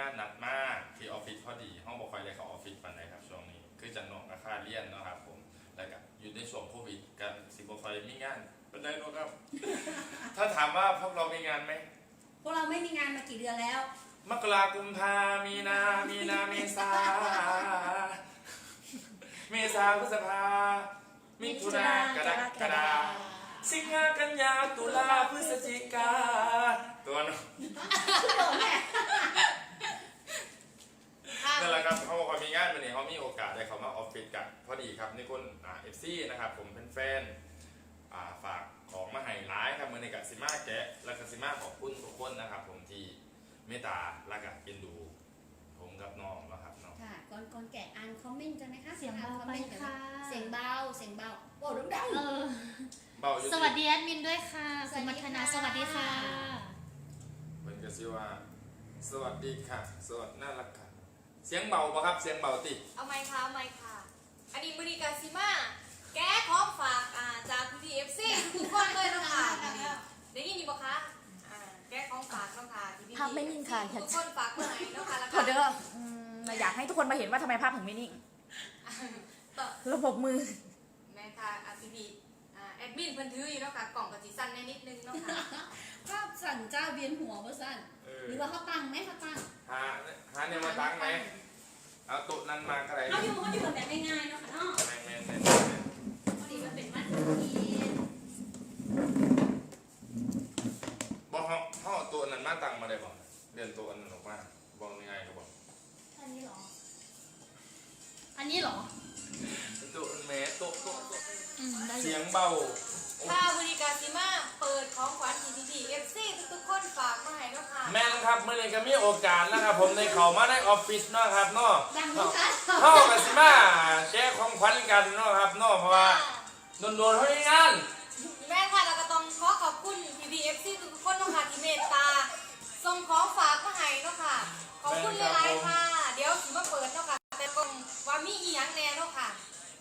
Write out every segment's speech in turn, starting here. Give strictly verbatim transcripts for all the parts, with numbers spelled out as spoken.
านนัดมากที่ออฟฟิศพอดีห้องบอกคอยเลยเขาออฟฟิศปันไหนครับช่วงนี้คือจันนองอาคาเลียนเนาะครับผมแล้วก็อยู่ในช่วงโควิดกันสิบคอยมีงานเป็นได้ด้วยครับ ถ้าถามว่าพวกเรามีงานไหมพวกเราไม่มีงานมากี่เดือนแล้วมกรากุมภามีนามีนาเมษาเมษาพฤษภามิถุนากรกฎาสิงหากันยาตุลาพฤศจิกาตัวน้องนั่นแหละครับเขาบอกว่ามีงานวันนี้เขามีโอกาสได้เขามาออฟฟิศกันพอดีครับนี่คนอ่าเอฟซีนะครับผมเป็นแฟนอ่าฝากของมาให้ร้ายครับมือในกัสิมาแกะและกัสิมาขอบคุณทุกคนนะครับผมที่เมตตาและก็เป็นดูผมกับน้องนะครับน้องค่ะก่อนก่อนแกะอ่านคอมเมนต์กันไหมคะเสียงเบาไปค่ะเสียงเบาเสียงเบาโอ้ดังเออเบาอยู่สวัสดีแอดมินด้วยค่ะคุณมัทนาสวัสดีค่ะเหมือนกับชื่อว่าสวัสดีค่ะสวัสดีน่ารักค่ะเสียงเบาปะครับเสียงเบาติเอาไมค์ค่ะเอาไมค์ค่ะอันนี้มือดีกาซิมาแก้ของฝากอ่าจากพีเอฟซีทุกคนเลยนะคะได้ยินดีปะคะอ่าแก้ของฝากน้องค่ะที่พี่ภาพไม่นิ่งค่ะทุกคนฝากมาให้น้องค่ะแล้วก็ขอเด้ออยากให้ทุกคนมาเห็นว่าทำไมภาพถึงไม่นิ่งระบบมือแม่ค่ะอาพีพีแอดมินเพิ่นถืออยู่เนาะค่ะกล่องกับสีสั้นแน่นิดนึงเนาะค่ะก็สั่นเจ้าเวียนหัวเมื่อสั้นหรือว่าเขาตั้งไหมเขาตั้งหาหาเนี่ยมาตั้งไหมเอาโต๊ะนั้นมาอะไรเขาอยู่เขาอยู่แบบง่ายๆเนาะค่ะเนาะแมนแมนแมนพอดีมันเป็นมัดทีบอกเขาเขาเอาโต๊ะนั้นมาตั้งมาได้บอกเดินโต๊ะนั้นออกมาบอกยังไงก็บอกอันนี้หรออันนี้หรอโต๊ะแม่โต๊ะโต๊ะโต๊ะเสียงเบาค่ะบริการซิมาเปิดของขวัญ ที ที พี เอฟ ซี ทุกๆคนฝากมาให้เนาะค่ะแม่ครับเมื่อไรก็มีโอกาสนะครับผมในเขามาได้ออฟฟิศเนาะครับเนาะเข้ากับซิมาแก้ของขวัญกันเนาะครับเนาะเพราะว่าโดนๆเขาอย่างนั้นแม่ค่ะเราก็ต้องขอขอบคุณ ที พี เอฟ ซี ทุกๆคนเนาะค่ะที่เมตตาส่งของฝากมาให้เนาะค่ะขอบคุณหลายๆค่ะเดี๋ยวสิมาเปิดเนาะค่ะแต่ก็ว่ามีอีหยังแน่เนาะค่ะ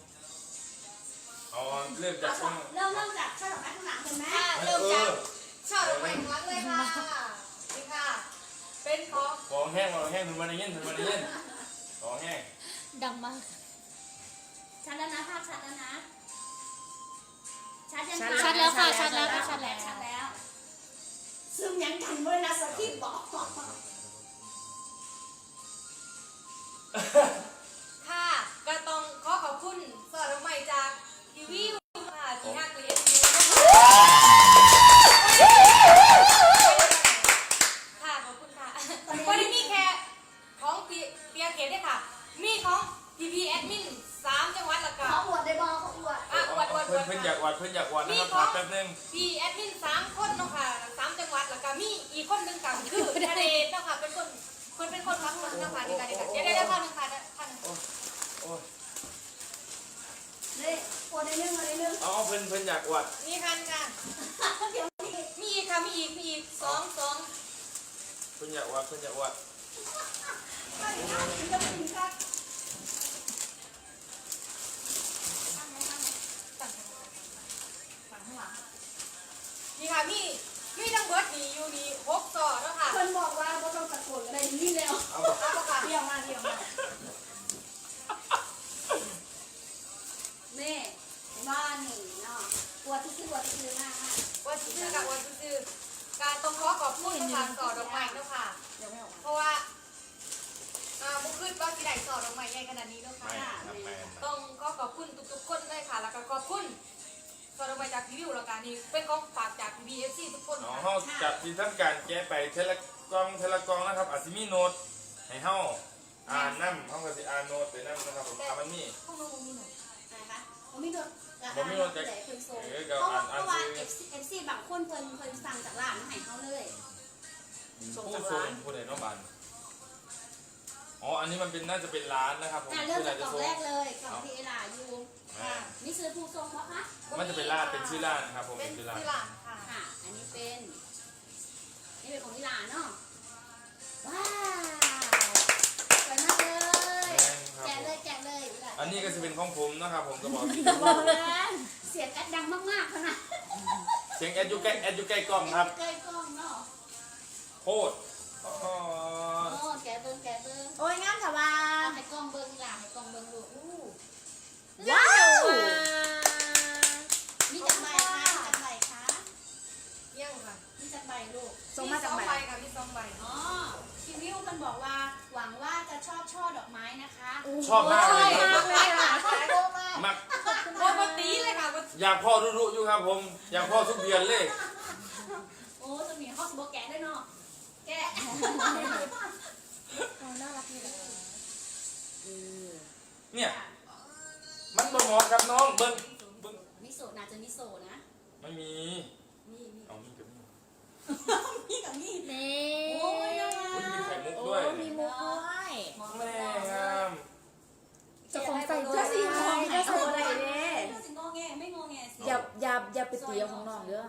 เอาเริ่มจากเริ่มเริ่มจากช่อดอกไม้ข้างหลังกันไหมเริ่มจากช่อดอกไม้ข้างหลังเลยค่ะนี่ค่ะเป็นของของแห้งของแห้งถึงวันนี้ถึงวันนี้ของแห้งดังมากชัดแล้วนะภาพชัดแล้วนะชัดยังชัดแล้วค่ะชัดแล้วชัดแล้วชัดแล้วซึมยังกันเลยนะสกีบอกค่ะก็ต้องขอขอบคุณสอดอกไม้จากทีวีค่ะที่ฮักเรียนค่ะขอบคุณค่ะวันนี้มีแค่ของเปียเกตด้วยค่ะมีของพีพีแอดมินสามจังหวัดละกันเขาอวดได้บอเขาอวดอ่ะอวดอวดอวดเพื่อนอยากอวดเพื่อนอยากอวดนะครับแป๊บนึงพีแอดมินสามคนเนาะค่ะสามจังหวัดละกันมีอีกคนหนึ่งกับคือทะเลเนาะค่ะเป็นคนคนเป็นคนพักคนนะคะในการในการเดี๋ยวได้ได้พันหนึ่งค่ะพันโอ้ยเลยอวดได้เรื่องอะไรเรื่องอ๋อเพื่อนเพื่อนอยากอวดมีพันค่ะเดี๋ยวมีอีกค่ะมีอีกมีอีกสองสองเพื่อนอยากอวดเพื่อนอยากอวดนี่ค่ะมีมีทั้งเบิร์ดดีอยู่ดีหกต่อแล้วค่ะคนบอกว่าเราต้องตะโกนอะไรนี่แล้วเอาค่ะเดี่ยวมาเดี่ยวมาแม่บ้านหนึ่งเนาะปวดที่ปวดที่คือหน้าวันซื้อกับวันซื้อการต้องขอขอบคุณทางสอดดอกไม้แล้วค่ะเพราะว่าอ่าบุคคลว่าที่ไหนสอดดอกไม้ใหญ่ขนาดนี้แล้วค่ะต้องขอขอบคุณทุกๆคนเลยค่ะแล้วก็ขอบคุณสอดดอกไม้จากพีวิวแล้วกันนี่เป็นของฝากจากพีบีเอฟซีทุกคนอ๋อเขาจับที่ทั้งการแก้ไปเทเลกองเทเลกองนะครับอาซิมีโนดให้เฮาอ่านน้ำเขาก็สิอ่านโนดไปน้ำนะครับผมอ่ามันมีพวกน้องมีโนดนะคะผมมีโนดผมมีโนดจากเพราะว่าเพราะว่าเอฟซีบางคนเพิ่นเพิ่นสั่งจากร้านมาให้เขาเลยส่งจากร้านผู้ใดน้องบันอ๋ออันนี้มันเป็นน่าจะเป็นร้านนะครับผมเริ่มจากกล่องแรกเลยกล่องที่เอลาอยู่นี่ซื้อผู้ส่งเพราะคะมันจะเป็นร้านเป็นชื่อร้านนะครับผมเป็นชื่อร้านค่ะค่ะอันนี้เป็นนี่เป็นของนิลาเนาะว้าวสวยมากเลยแกะเลยแกะเลยอันนี้ก็จะเป็นของผมนะครับผมก็บอกเสียงแอดดังมากๆขนาดเสียงแอดยูใกล้แอดยูใกล้กล้องครับใกล้กล้องเนาะโคตรโอ้แกะเบิ้งลูกส่งมาจากสองไหนใบค่ะมีสองใบอ๋อคิวิวมันบอกว่าหวังว่าจะชอบช่อดอกไม้นะคะชอบมากเลยคมากรับเลยค่ะมากโอ้ปตีเลยค่ะอยากพ่อรู้ๆอยู่ครับผม อยากพ่อทุกเดือนเลยโอ้ตัวนี้ฮอสโบแกะด้วยเนาะแกะน่ารักดีเลยเนี่ย มันบ่เหมาะกับน้องเบิ้งเบิ้งมิโซะน่าจะมิโซะนะไม่มีนี่นี่เอามีกับมีนี่กับนี่นี่โอ้ยยังไงอุ้ยมีไข่มุกโอ้ด้วยมีมุกด้วยแม่งามเจะของใส่เจ้าสีทองเจ้าสีอะไรเด้เจ้าสิงอแงไม่งอแงสิอย่าอย่าอย่าไปตีเอาของน้องเด้อ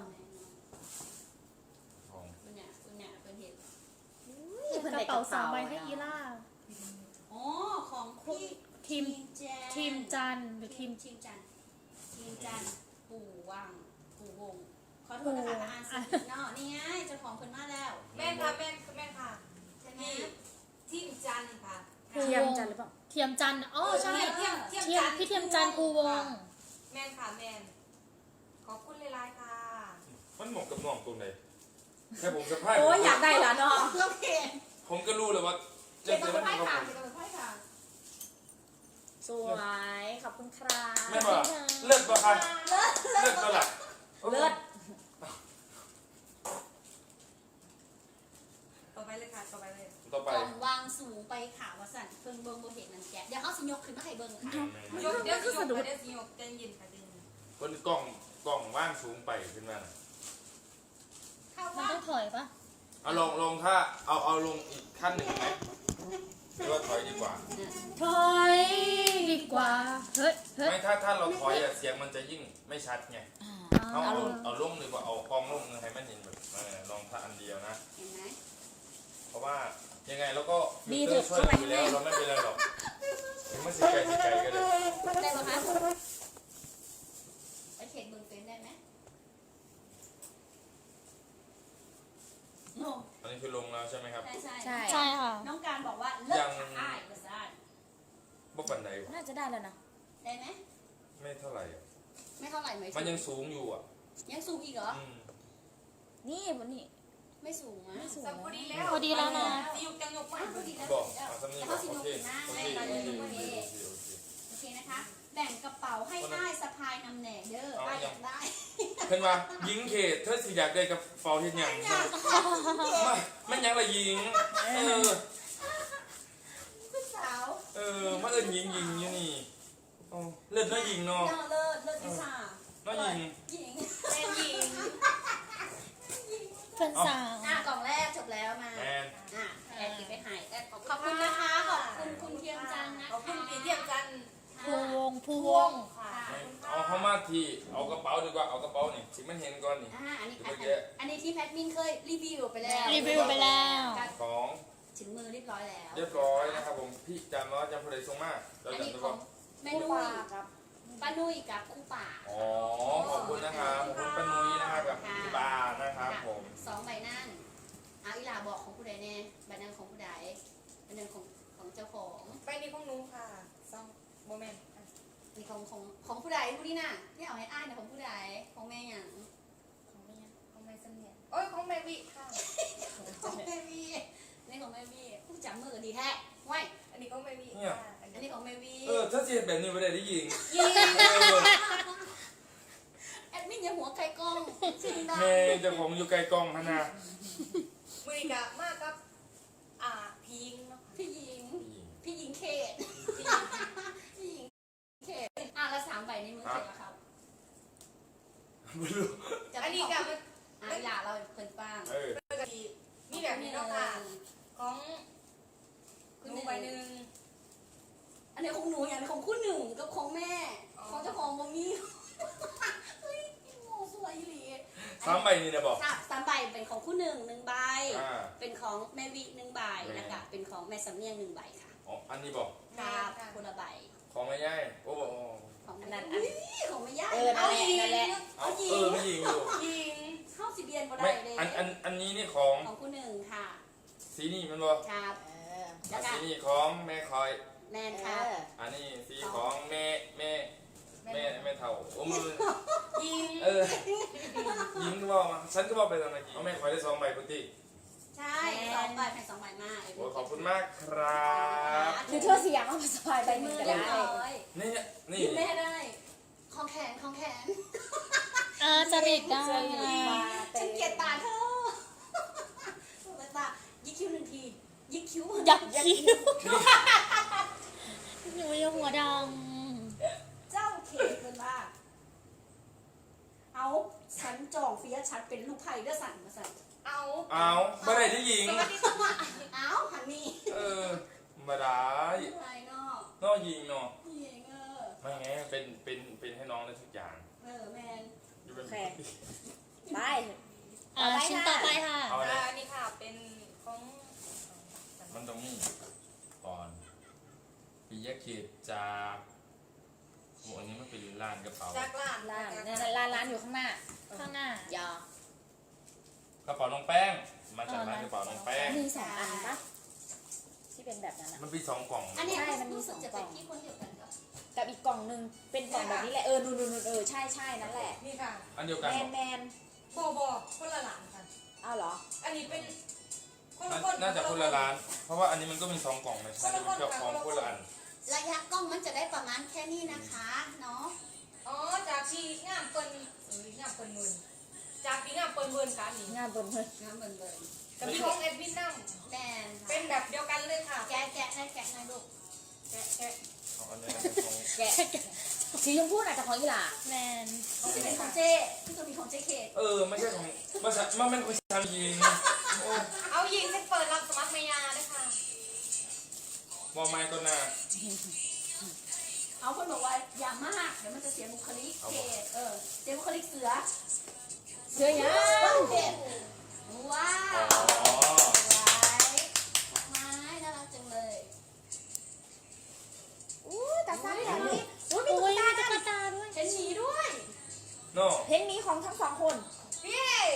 ทองคุณเนี่ยคุณเนี่ยเป็นเห็ดกระเป๋าสองใบให้อีล่าอ๋อของพี่ทีมแจนทีมจันทร์หรือทีมทีมจันทร์ทีมจันทร์ปู่วังปู่วงขอโทษนะคะอ่านสิเนาะนี่ไงเจ้าของเพิ่นมาแล้วแม่ค่ะแม่คือแม่ค่ะใช่ไหมนี่ทีมจันทร์ค่ะเทียมจันทร์หรือเปล่าเทียมจันทร์อ๋อใช่เทียมเทียมเทียมพี่เทียมจันทร์ภูวงศ์แม่นค่ะแม่นขอบคุณหลายๆค่ะมันเหมาะกับน้องตรงไหนแค่ผมสะพายโอ้ยอยากได้ละน้องโอเคผมก็รู้เลยว่าเก็บจะมาจะเป็นมันไพ่กับผมค่ะเก็บมาเป็นไพ่ค่ะสวยขอบคุณครับแม่บอกเลิศป่ะครับเลิศป่ะล่ะเลิศต่อไปเลยค่ะต่อไปเลยต่อไปกล่องวางสูงไปขาวสั่นเพิ่งเบิ่งบ่เห็นนั่นแกะเดี๋ยวเขาสิยกขึ้นมาให้เบิ่งค่ะเดี๋ยวเดี๋ยวสิยกเดี๋ยวสิยกใจเย็นค่ะใจเย็นบนกล่องกล่องว่างสูงไปขึ้นมาน่ะเข้ามันว่าต้องถอยปะเอาลองลองถ้าเอาเอาลงอีกขั้นหนึ่งไหมหรือว่าถอยดีกว่าถอยดีกว่า เฮ้ย เฮ้ยไม่ถ้าถ้าเราถอยอะเสียงมันจะยิ่งไม่ชัดไงเอาเอาเอาเอาลงดีกว่าเอากล้องลงให้มันเห็นแบบเออลองถ้าอันเดียวนะเห็นไหมเพราะว่ายังไงเราก็มีเตอร์ช่วยเราอยู่แล้วเราไม่เป็นไรหรอกถึงมันสิไกลสิไกลก็เลยได้ปะคะไปเช็คเบิ่งเป็นได้ไหมโอ้อันนี้คือลงแล้วใช่ไหมครับใช่ใช่ใช่ใช่ค่ะน้องการบอกว่าเลิกค่ะอ้ายภาษาบ่ปันใดน่าจะได้แล้วนะได้ไหมไม่เท่าไหร่อะไม่เท่าไหร่ไหมมันยังสูงอยู่อ่ะยังสูงอีกเหรออืมนี่วันนี้ไม่สูงนะไม่สูงสักพอดีแล้วพอดีแล้วนะสิยกจังยกอ่ะมาพอดีแล้วบอกแล้วเอาสักนี้แล้วบอเขากสิโอยกเคขึ้นมาโอให้เคเราโอเลเคยโอเคโอเคโอเคนะคะ แบ่งกระเป๋าให้ได้สะพายนำแหน่เด้อได้อยากได้เห็นว่ายิงเขตเธอสิอยากได้กับเฟาเห็นอย่างไม่ไม่ยังละยิงเออผู้สาวเออมาเอิญยิงยิงอยู่นี่อ๋อเลิศน้อยยิงเนาะเลิศเลิศเลิศวิชาน้อยยิงหญิงเป็นหญิงเพื่อนสาวอ่ะกล่องแรกจบแล้วมาแมนอ่ะแอบติดไปหายแอบขอบคุณนะคะ ขอบคุณคุณเทียมจันทร์นะคะขอบคุณพี่เทียมจันทร์ภูวงศ์ภูวงศ์ค่ะเอาเข้ามาทีเอากระเป๋าดีกว่าเอากระเป๋านี่สิมันเห็นก่อนนี่อ่าอันนี้เดี๋ยวอันเมื่อกี้อันนี้ที่แพทมินเคยรีวิวไปแล้วรีวิวไปแล้วของถึงมือเรียบร้อยแล้วเรียบร้อยนะครับผมพี่จำว่าจำผู้ใดส่งมาเราอันนี้จำได้ขอป่ะงแม่นุ้ยป้านุ้ยกับคู่ป่าอ๋อขอบคุณนะครับขอบคุณป้านุ้ยนะครับกับพี่บานะครับผมสองใบนั่นเอาอีหลาบอกของผู้ใดแน่ใบนั้นของผู้ใดใบนั้นของของเจ้าของไปนี่ของหนูค่ะซองโมเมนต์นี่ของของของผู้ใดผู้นี้น่ะที่เอาให้อ้ายนะของผู้ใดของแม่หยังของแม่ของแม่เสมียนโอ้ยของแม่วิค่ะของแม่วีนี่ของแม่วีผู้จับมือดีแท้ไว้อันนี้ของแม่วิเนี่ยค่ะอันอันนี้นี้ของแม่วีเออถ้าเสียแบบนี้ไม่ได้ได้ยิงยิงเออแอดมินอย่าหัวไก่กล้องเสียงดังแม่เจะผมอยู่ไกลกล้องฮะนะมือนีกะมากกับอ่าพิงเนาะพี่หญิง พี่หญิงเขตพิงพี่หญิงเขตอ่ะละสามใบในมือเขตแล้วครับไม่รู้จะอันนี้กะมันอ่ะอีหลาเราเพิ่นป้างเออกะทิมีแบบนี้เนาะค่ะของหนูใบหนึ่งอันนี้ของหนูอย่างของคู่หนึ่งกับของแม่อ๋อของเจ้าของบ่มีเฮ้ยโง่สวยอีหลีสามใบนี่นะบอกสามสามใบเป็นของคู่หนึ่งหนึ่งใบอ่าเป็นของแม่วิหนึ่งใบแม่นะคะเป็นของแม่สำเนียงหนึ่งใบค่ะอ๋ออันนี้บอกครับคนละใบของไม่ย่ายโอ้โหของอัแม่นนั้นอุ๊ยของแม่ย่าเออนั่นแหละนั่นแหละเอาเอาหญิเออง ไม่ยิงอยู่ยิงเข้าสิเบียนบ่ไม่ได้เลยอันอันอันนี้นี่ของของคู่หนึ่งค่ะสีนี่มันบอกครับเออแล้วสีก็นี่ของแม่คอยแมนเอครับออันนี้สีของแม่แม่แม่แม่เท่าโอ้มือยิงเออยิงบอกมาฉันก็บอกไปตอนเมื่อกี้เอาแม่คอยได้สองใบพุทธิใช่สองใบแผ่นสองใบมากโอ้ขอบคุณมากครับหรือเธอเสียงเอามาสบายไปมืมืออก็เรียบได้ร้อยนี่นี่ยิ้มแม่ได้ของแขนของแขนอาจริตได้ฉันเกลียดตาเธอตายิกคิ้วหนึ่งทียิกคิ้วยักคิ้วหนูยังหัวดเจ้าเขตเป็นว่าเอาฉันจองเฟียฉันเป็นลูกไผ่เด้อสั่นมาสั่นเอาเอาบ่ได้ที่หญิงสวัสดีค่ะเอาหันนี่เออมาได้ไผ่เนาะนอกยิงเนาะพี่เองเออไม่ไงเป็นเป็นเป็นให้น้องได้ทุกอย่างเออแมนอยู่เป็นโอเค ไปำอ่าชิ้นต่อไปค่ะเอาเลยอันนี้ค่ะเป็นของมันตรงนี้ก่อนปียะเขตจากโอ้อันนี้มันเป็นร้านกระเป๋าจากร้านร้านเนี่ยร้านร้านอยู่ข้างหน้าข้างหน้ายากระเป๋าน้องแป้ง มาจากร้านกระเป๋าน้องแป้งมีสองอันปะที่เป็นแบบนั้นอะมันมีสองกล่องอันนี้ใช่มันมีรู้สึกสองจะกล่เป็อน งที่คนเดียวกันกับกับอีกกล่องหนึงเป็นกล่องแบบนี้แหละเออนูนนูนเออใช่ใช่นั่นแหละนี่ค่ะอันเดียวกันแมเหรนอแมนโบโบคนละหลานค่ะเอาเหรออันนี้เป็นคนละน่าคนน่าจะคนละร้าน เพราะว่าอันนี้มันก็มีสองกล่องนะใช่ไหมมันเกี่ยวของคนละอันระยะกล้องมันจะได้ประมาณแค่นี้นะคะเนาะอ๋อจากที่งามเปิ้นเอ้ยงามเปิ้นเวินจากที่งามเปิ้นเวินค่ะนี่งานบนเพื่อนน้ำเบิ่นเบิ่นกับพี่ของแอดมินนั่งแมนเป็นแบบเดียวกันเลยค่ะแกะแกะได้แกะได้ลูกแกะแกะเอาอันนี้นะของแกะสีชมพูน่ะจากของอีหล่าแมนที่จะเป็นของเจ้ที่จะมีของเจ้เขตเออไม่ใช่ของมันจะมันเป็นของชาวยิงโอ้เอายิงเซ็นเปิดรับสมัครเมียด้วยค่ะมองไม้ก็น่าเอาคนบอกว่าอย่ามากเดี๋ยวมันจะเสียบุคลิกเขตเออเสียบุคลิกเสือเสื้อยังเด็ดว้าอ๋วอไม้น่ารักจังเลยอู้ตาซ้ายตานี้อู้มีอุ้ตุ๊ยกตามีตุ๊กตาด้วยเห็นหมีด้วยโน่เพลงนี้ของทั้งสองคนพี่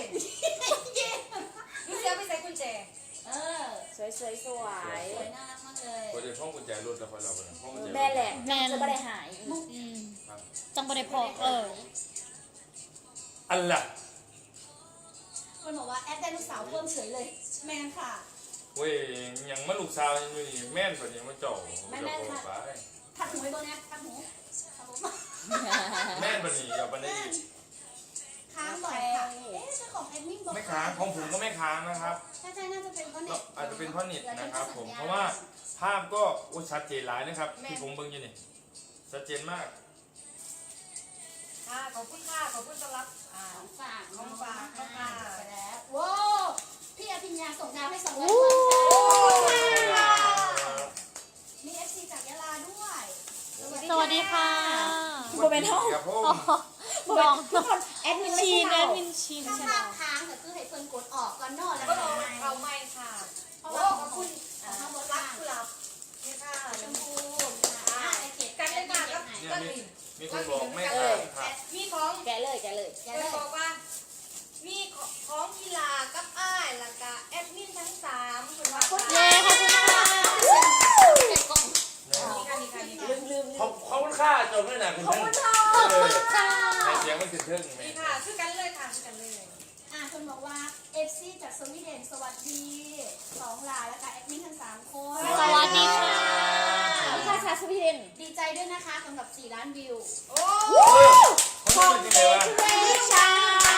ดูเสียไปใส่กุญแจเออสวยสวยสวยสวยน่ารักมากเลยพอเดี๋ยวห้องกุญแจรถแล้วพอเราไปห้องกุญแจรถแม่แหละจะไม่ได้หายอืมจังบริพอเอออันละคนบอกว่าแอดไดโนเสาร์เพิ่มเฉยเลย แมนค่ะเว้ยยังมาลูกสาวยังอยู่นี่แม่นกว่านี้มาจ่อจะโผล่ไปทักหูไว้ตัวเนี้ยทักหูทักหูแม่นกว่านี้เอาไปได้อีกค้างบ่อยค่ะ เอ๊ะเจ้าของแอดมินบอกไม่ค้างของผมก็ไม่ค้างนะครับใช่ใช่น่าจะเป็นเพราะเน็ก็ตอาจจะเป็นเพราะเน็ตนะครับผมเพราะว่าภาพก็โอ้ชัดเจนหลายนะครับที่ผมเบิ่งอยู่นี่ชัดเจนมากค่ะขอบคุณค่ะขอบคุณสำหรับอ่าของฝากของฝากของฝากของฝากไปแล้วว้าวพี่อภิญญาส่งดาวให้สองร้อยคนค่ะมีเอฟซีจากยะลาด้วยสวัสดีค่ะโมเมนต์เท่าครับผมน้องทุกคนแอดมินไม่ชีใช่นแอเราดมินชีนถ้าใช่ไหมภาพค้างก็คือให้เพิ่นกดออกก่อนเนอะแล้วก็ก็รอมาเขาไม่ค่ะเพราะโอ้ว่าขอบคุณขออ่างข้างบนรัล่าก งกุหลาบนี่ค่ะชมพูอ่าไอเขตกันเลยค่ะกับเนี่ยกันมีลินมีคนบอกไม่ค้างครับมีของแกะเลยแกะเลยอย่าเพิ่เลนยบอกว่า มีของกีฬากับอ้ายแล้วก็แอดมินทั้งสามคุณว่าเย้ขอบคุณค่ะเป็นกล่องนี่ค่ะนี่ค่ะนี่ค่ะลืมลืมขอบขอบคุณค่าจบด้วยนะคุณขอบท่านคุณค่ะเออค่ะให้เสียงมันถึงทึ่งไหมนี่ค่ะชื่อกันเลยค่ะชื่อกันเลยอ่าคนบอกว่าเอฟซีจากสวีเดนสวัสดีสองหลายแล้วก็แอดมินทั้งสามคนสวัสดีค่ะค่าชาสวีเดนดีใจด้วยนะคะสำหรับสี่ล้านวิวโอ้เขาเป็นยังไงวะเวชา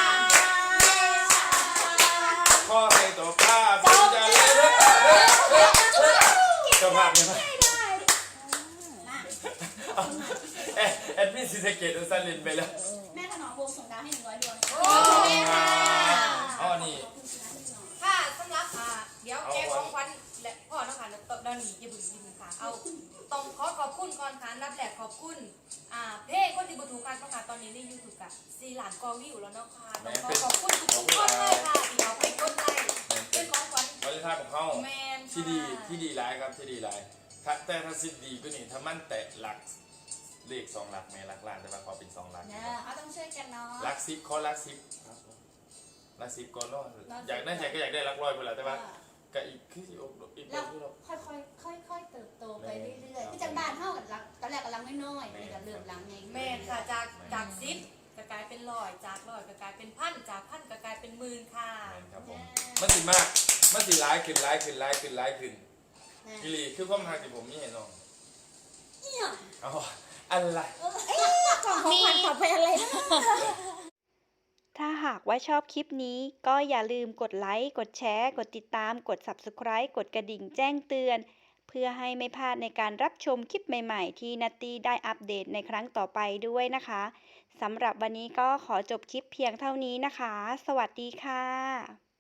พ่อให้ตัวภาพเป็นจะเลยเฮ้ยเฮ้ยเฮ้ยเฮ้ยเจ้าภาพเนี่ยนะนะเอ๊ะแอดมินซีสะเกตซันลินไปแล้วแม่ถนอมวงส่งดาวให้หนึ่งร้อยดวงโอ้อ๋อนี่ขอบคุณสี่ล้านวิวหน่อยค่ะสำหรับอ่าเดี๋ยวแกของขวัญและพ่อนะคะตอนนี้อย่าบึ้งอย่าบึ้งค่ะเอาต้องขอขอบคุณก่อนค่ะรับแหลกขอบคุณอ่าเพลงคนที่บุถูกการประกาศตอนนี้ในยูทูบกับซีหลานกอวิวแล้วเนาะค่ะต้องขอขอบคุณทุกๆคนเลยค่ะที่เอาไปกดไลค์เป็นของขวัญบริษัทของเขาแมนที่ดีที่ดีหลายครับที่ดีหลายถ้าแต่ถ้าสิทธิ์ดีก็นี่ถ้ามันแตะหลักเลขสองหลักแม่หลักล้านแต่ว่าขอเป็นสองหลักเนี่ยเอาต้องช่วยกันเนาะหลักสิบขอหลักสิบหลักสิบก่อนเนาะอยากได้ใจก็อยากได้หลักร้อยไปแหละแต่ว่าก็อีกคืออีกอีกแล้วที่เราค่อยๆค่อยๆเติบโตไปเรื่อยๆที่จังบ้านเท่ากับรักตอนแรกกำลังน้อยๆนี่ก็เริ่มหลังไงแมนค่ะจากจากซิปก็กลายเป็นร้อยจากร้อยก็กลายเป็นพันจากพันก็กลายเป็นหมื่นค่ะแม่นครับผมมันสิมากมันสิร้ายขึ้นร้ายขึ้นร้ายขึ้นร้ายขึ้นกิลีคือความหักที่ผมมีให้น้องเนี่ยเอาอะไรกล่องของขวัญปลอดภัยอะไรนะถ้าหากว่าชอบคลิปนี้ก็อย่าลืมกดไลค์ กดแชร์ กดติดตาม กด ซับสไครบ์ กดกระดิ่งแจ้งเตือน เพื่อให้ไม่พลาดในการรับชมคลิปใหม่ๆ ที่นัตตี้ได้อัปเดตในครั้งต่อไปด้วยนะคะสำหรับวันนี้ก็ขอจบคลิปเพียงเท่านี้นะคะ สวัสดีค่ะ